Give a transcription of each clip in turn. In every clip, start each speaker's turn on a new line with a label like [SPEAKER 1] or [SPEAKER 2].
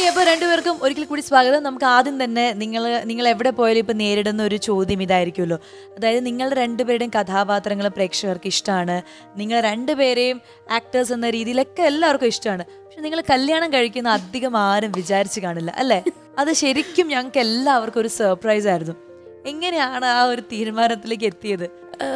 [SPEAKER 1] അപ്പോൾ രണ്ടുപേർക്കും ഒരിക്കൽ കൂടി സ്വാഗതം. നമുക്ക് ആദ്യം തന്നെ നിങ്ങൾ എവിടെ പോയാലും ഇപ്പം നേരിടുന്ന ഒരു ചോദ്യം ഇതായിരിക്കുമല്ലോ. അതായത് നിങ്ങളുടെ രണ്ടുപേരുടെയും കഥാപാത്രങ്ങൾ പ്രേക്ഷകർക്ക് ഇഷ്ടമാണ്, നിങ്ങൾ രണ്ടുപേരെയും ആക്ടേഴ്സ് എന്ന രീതിയിലൊക്കെ എല്ലാവർക്കും ഇഷ്ടമാണ്. പക്ഷെ നിങ്ങൾ കല്യാണം കഴിക്കുന്ന അധികം ആരും വിചാരിച്ച് കാണില്ല അല്ലേ? അത് ശരിക്കും ഞങ്ങൾക്ക് എല്ലാവർക്കും ഒരു സർപ്രൈസ് ആയിരുന്നു. എങ്ങനെയാണ് ആ ഒരു തീരുമാനത്തിലേക്ക് എത്തിയത്?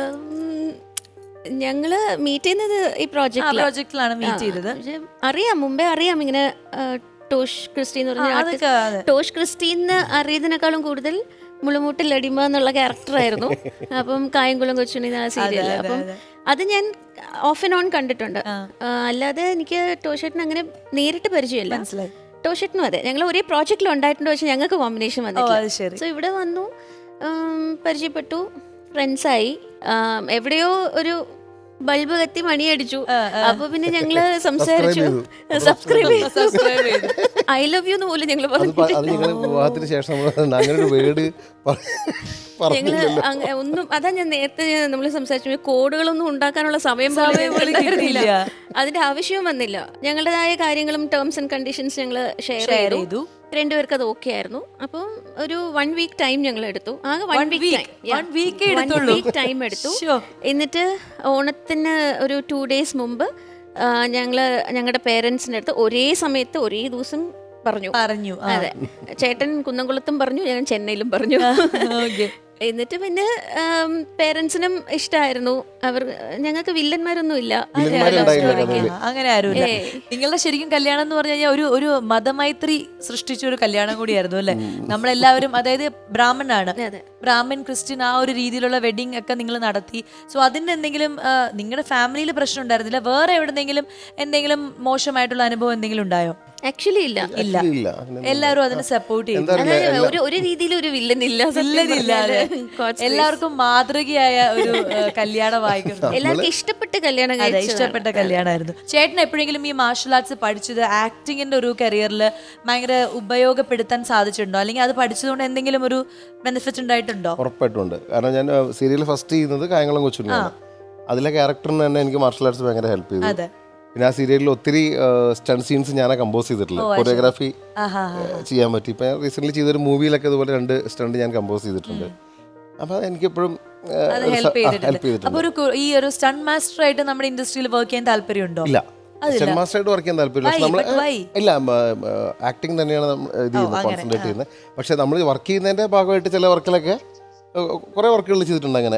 [SPEAKER 2] ഞങ്ങള് മീറ്റ് ചെയ്യുന്നത് ഈ
[SPEAKER 1] പ്രോജക്റ്റിലാണ് മീറ്റ് ചെയ്തത്.
[SPEAKER 2] മുമ്പേ അറിയാം ഇങ്ങനെ ടോഷ് ക്രിസ്റ്റി എന്ന് പറഞ്ഞ ടോഷ് ക്രിസ്റ്റീന്ന് അറിയുന്നതിനേക്കാളും കൂടുതൽ മുളുമൂട്ടിൽ അടിമ എന്നുള്ള ക്യാരക്ടറായിരുന്നു. അപ്പം കായംകുളം കൊച്ചുണ്ണി സീരിയൽ. അപ്പം അത് ഞാൻ ഓഫ് ആൻഡ് ഓൺ കണ്ടിട്ടുണ്ട്. അല്ലാതെ എനിക്ക് ടോഷേട്ടൻ അങ്ങനെ നേരിട്ട് പരിചയമില്ല. ടോഷേട്ടനും അതെ, ഞങ്ങൾ ഒരേ പ്രോജക്റ്റിൽ ഉണ്ടായിട്ടുണ്ട്, പക്ഷെ ഞങ്ങൾക്ക് കോമ്പിനേഷൻ വന്നിട്ടില്ല. സോ ഇവിടെ വന്നു, പരിചയപ്പെട്ടു, ഫ്രണ്ട്സായി. എവിടെയോ ഒരു ബൾബ് കത്തി മണിയടിച്ചു. അപ്പൊ പിന്നെ ഞങ്ങള് സംസാരിച്ചു, സബ്സ്ക്രൈബ് ചെയ്തു. ഐ ലവ് യു എന്ന് പോലും ഞങ്ങൾ
[SPEAKER 3] വിവാഹത്തിന് ശേഷം
[SPEAKER 2] ഒന്നും. അതാ ഞാൻ നേരത്തെ നമ്മൾ സംസാരിച്ചു, കോഡുകളൊന്നും ഉണ്ടാക്കാനുള്ള സമയം പോലും അതിന്റെ ആവശ്യവും വന്നില്ല. ഞങ്ങളുടേതായ കാര്യങ്ങളും ടേംസ് ആൻഡ് കണ്ടീഷൻസ് ഞങ്ങൾ ഷെയർ ചെയ്തു. രണ്ടുപേർക്ക് അത് ഓക്കെ ആയിരുന്നു. അപ്പം ഒരു 1 വീക്ക് ടൈം ഞങ്ങൾ എടുത്തു. ആകെ 1 വീക്ക് ടൈം എടുത്തു. എന്നിട്ട് ഓണത്തിന് ഒരു 2 ഡേയ്സ് മുമ്പ് ഞങ്ങളുടെ പേരൻസിന്റെ അടുത്ത് ഒരേ സമയത്ത് ഒരേ ദിവസം പറഞ്ഞു. അതെ, ചേട്ടൻ കുന്നംകുളത്തും പറഞ്ഞു, ഞാൻ ചെന്നൈയിലും പറഞ്ഞു. എന്നിട്ട് പിന്നെ പേരൻസിനും ഇഷ്ടമായിരുന്നു. ഞങ്ങൾക്ക് വില്ലന്മാരൊന്നും ഇല്ല,
[SPEAKER 1] അങ്ങനെ ആരുമില്ല. നിങ്ങളുടെ ശരിക്കും കല്യാണം എന്ന് പറഞ്ഞു കഴിഞ്ഞാൽ ഒരു മതമൈത്രി സൃഷ്ടിച്ച ഒരു കല്യാണം കൂടിയായിരുന്നു അല്ലെ? നമ്മളെല്ലാവരും, അതായത് ബ്രാഹ്മണാണ്, ബ്രാഹ്മൺ ക്രിസ്ത്യൻ ആ ഒരു രീതിയിലുള്ള വെഡിങ് ഒക്കെ നിങ്ങൾ നടത്തി. സോ അതിന് എന്തെങ്കിലും നിങ്ങളുടെ ഫാമിലിയിൽ പ്രശ്നം ഉണ്ടായിരുന്നില്ല? വേറെ എവിടെന്നെങ്കിലും എന്തെങ്കിലും മോശമായിട്ടുള്ള അനുഭവം എന്തെങ്കിലും ഉണ്ടായോ?
[SPEAKER 2] ആക്ച്വലി ഇല്ല.
[SPEAKER 1] എല്ലാവരും അതിനെ സപ്പോർട്ട് ചെയ്യും.
[SPEAKER 2] ഒരു രീതിയിൽ ഒരു വില്ലനില്ല.
[SPEAKER 1] എല്ലാവർക്കും മാതൃകയായ ഒരു കല്യാണമായിരുന്നു.
[SPEAKER 2] എല്ലാവർക്കും ഇഷ്ടപ്പെട്ട
[SPEAKER 1] കല്യാണമായിരുന്നു. ചേട്ടൻ എപ്പോഴെങ്കിലും ഈ മാർഷൽ ആർട്സ് പഠിച്ചത് ആക്ടിങ്ങിന്റെ ഒരു കരിയറിൽ ഭയങ്കര ഉപയോഗപ്പെടുത്താൻ സാധിച്ചിട്ടുണ്ടോ? അല്ലെങ്കിൽ അത് പഠിച്ചതുകൊണ്ട് എന്തെങ്കിലും ഒരു ബെനിഫിറ്റ് ഉണ്ടായിട്ടുണ്ടോ?
[SPEAKER 3] ഉറപ്പായിട്ടുണ്ട്. കാരണം ഞാൻ സീരിയൽ ഫസ്റ്റ് ചെയ്യുന്നത് കായംകുളം കൊച്ചുണ്ണിയാണ്. അതിലെ ക്യാരക്ടറിന് തന്നെ എനിക്ക് മാർഷൽ ആർട്സ് ഭയങ്കര ഹെൽപ്പ് ചെയ്തു. പിന്നെ ആ സീരിയലിൽ ഒത്തിരി സ്റ്റണ്ട് സീൻസ് ഞാൻ കമ്പോസ് ചെയ്തിട്ടില്ല, കൊറിയോഗ്രാഫി ചെയ്യാൻ പറ്റി. ഇപ്പം റീസെന്റ് ചെയ്തൊരു മൂവിയിലൊക്കെ ഇതുപോലെ 2 സ്റ്റണ്ട് ഞാൻ കമ്പോസ് ചെയ്തിട്ടുണ്ട്. അപ്പൊ എനിക്കെപ്പോഴും
[SPEAKER 1] ഹെൽപ്പ് ചെയ്തിട്ടുണ്ട്. അപ്പൊ ഈ ഒരു സ്റ്റണ്ട് മാസ്റ്റർ ആയിട്ട് നമ്മുടെ ഇൻഡസ്ട്രിയിൽ വർക്ക് ചെയ്യാൻ താല്പര്യമുണ്ടോ?
[SPEAKER 3] ഇല്ല, സ്റ്റണ്ട് മാസ്റ്റർ ആയിട്ട് വർക്ക് ചെയ്യാൻ താല്പര്യമില്ല. ഇല്ല, ആക്ടിങ് തന്നെയാണ് ഇത് ചെയ്യുന്നത്, കോൺസെൻട്രേറ്റ് ചെയ്യുന്നത്. പക്ഷെ നമ്മൾ വർക്ക് ചെയ്യുന്നതിന്റെ ഭാഗമായിട്ട് ചില വർക്കിലൊക്കെ കുറെ വർക്കുകൾ ചെയ്തിട്ടുണ്ട്. അങ്ങനെ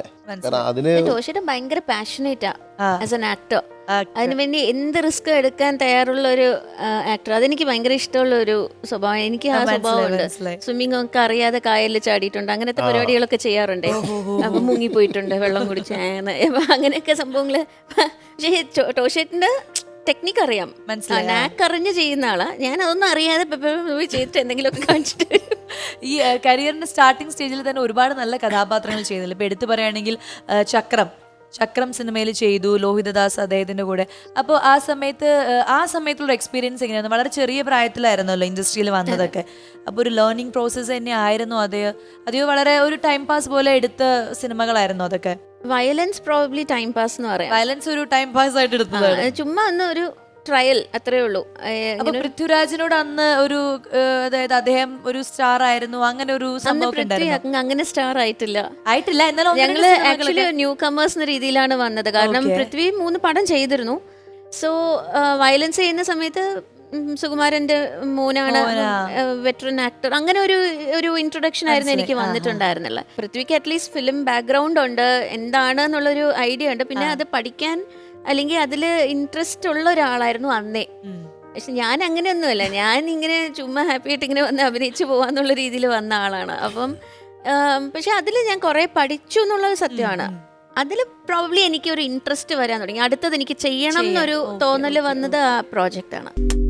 [SPEAKER 2] ഭയങ്കര പാഷനേറ്റാ ആസ് ആൻ ആക്ടർ. അതിനുവേണ്ടി എന്ത് റിസ്ക് എടുക്കാൻ തയ്യാറുള്ള ഒരു ആക്ടർ. അതെനിക്ക് ഭയങ്കര ഇഷ്ടമുള്ള ഒരു സ്വഭാവം. എനിക്ക് ആ സ്വഭാവമുണ്ട്. സ്വിമ്മിംഗ് ഒക്കെ അറിയാതെ കായലിൽ ചാടിയിട്ടുണ്ട്, അങ്ങനത്തെ പരിപാടികളൊക്കെ ചെയ്യാറുണ്ട്. അപ്പൊ മുങ്ങിപ്പോയിട്ടുണ്ട്, വെള്ളം കുടിച്ച് അങ്ങനെയൊക്കെ സംഭവങ്ങള്. പക്ഷേ ടോഷേട്ടിന്റെ ടെക്നിക്ക് അറിയാം, നാക്ക് അറിഞ്ഞ് ചെയ്യുന്ന ആളാ. ഞാൻ അതൊന്നും അറിയാതെ പോയി ചെയ്തിട്ട് എന്തെങ്കിലുമൊക്കെ കാണിച്ചിട്ട്.
[SPEAKER 1] ഈ കരിയറിന്റെ സ്റ്റാർട്ടിംഗ് സ്റ്റേജിൽ തന്നെ ഒരുപാട് നല്ല കഥാപാത്രങ്ങൾ ചെയ്യുന്നില്ല. ഇപ്പൊ എടുത്തു പറയുകയാണെങ്കിൽ ചക്രം സിനിമയിൽ ചെയ്തു, ലോഹിതദാസ് അദ്ദേഹത്തിന്റെ കൂടെ. അപ്പോൾ ആ സമയത്തുള്ള എക്സ്പീരിയൻസ് എങ്ങനെയായിരുന്നു? വളരെ ചെറിയ പ്രായത്തിലായിരുന്നല്ലോ ഇൻഡസ്ട്രിയിൽ വന്നതൊക്കെ. അപ്പോൾ ഒരു ലേണിംഗ് പ്രോസസ്സ് തന്നെ ആയിരുന്നു അതെയോ വളരെ ഒരു ടൈം പാസ് പോലെ എടുത്ത സിനിമകളായിരുന്നു അതൊക്കെ?
[SPEAKER 2] വയലൻസ് പ്രോബബ്ലി ടൈം പാസ് എന്ന് പറയാം.
[SPEAKER 1] വയലൻസ് ഒരു ടൈം പാസ് ആയിട്ട് എടുത്തതാണ്,
[SPEAKER 2] ചുമ്മാ അന്ന് ഒരു ട്രയൽ, അത്രേ ഉള്ളൂ.
[SPEAKER 1] പൃഥ്വിരാജിനോട് അന്ന് ഒരു, അതായത് അദ്ദേഹം ഒരു സ്റ്റാർ ആയിരുന്നു, അങ്ങനെ ഒരു സംഭവം.
[SPEAKER 2] അങ്ങനെ സ്റ്റാർ ആയിട്ടില്ല. എന്നാലും ഞങ്ങള് ആക്ച്വലി ന്യൂ കമേഴ്സ് എന്ന രീതിയിലാണ് വന്നത്. കാരണം പൃഥ്വി 3 പടം ചെയ്തിരുന്നു. സോ വയലൻസ് ചെയ്യുന്ന സമയത്ത് സുകുമാരന്റെ മോനാണ് വെറ്ററൻ ആക്ടർ, അങ്ങനെ ഒരു ഇൻട്രൊഡക്ഷൻ ആയിരുന്നു എനിക്ക് വന്നിട്ടുണ്ടായിരുന്നില്ല. പൃഥ്വിക്ക് അറ്റ്ലീസ്റ്റ് ഫിലിം ബാക്ക്ഗ്രൗണ്ട് ഉണ്ട്, എന്താണ് എന്നുള്ളൊരു ഐഡിയ ഉണ്ട്. പിന്നെ അത് പഠിക്കാൻ അല്ലെങ്കിൽ അതിൽ ഇൻട്രസ്റ്റ് ഉള്ള ഒരാളായിരുന്നു അന്നേ. പക്ഷെ ഞാൻ അങ്ങനെയൊന്നുമല്ല, ഞാൻ ഇങ്ങനെ ചുമ്മാ ഹാപ്പി ആയിട്ട് ഇങ്ങനെ വന്ന് അഭിനയിച്ചു പോവാന്നുള്ള രീതിയിൽ വന്ന ആളാണ്. അപ്പം പക്ഷെ അതിൽ ഞാൻ കുറെ പഠിച്ചു എന്നുള്ളത് സത്യമാണ്. അതിൽ പ്രോബ്ലി എനിക്ക് ഒരു ഇൻട്രസ്റ്റ് വരാൻ തുടങ്ങി. അടുത്തത് എനിക്ക് ചെയ്യണം എന്നൊരു തോന്നൽ വന്നത് ആ പ്രോജക്റ്റാണ്.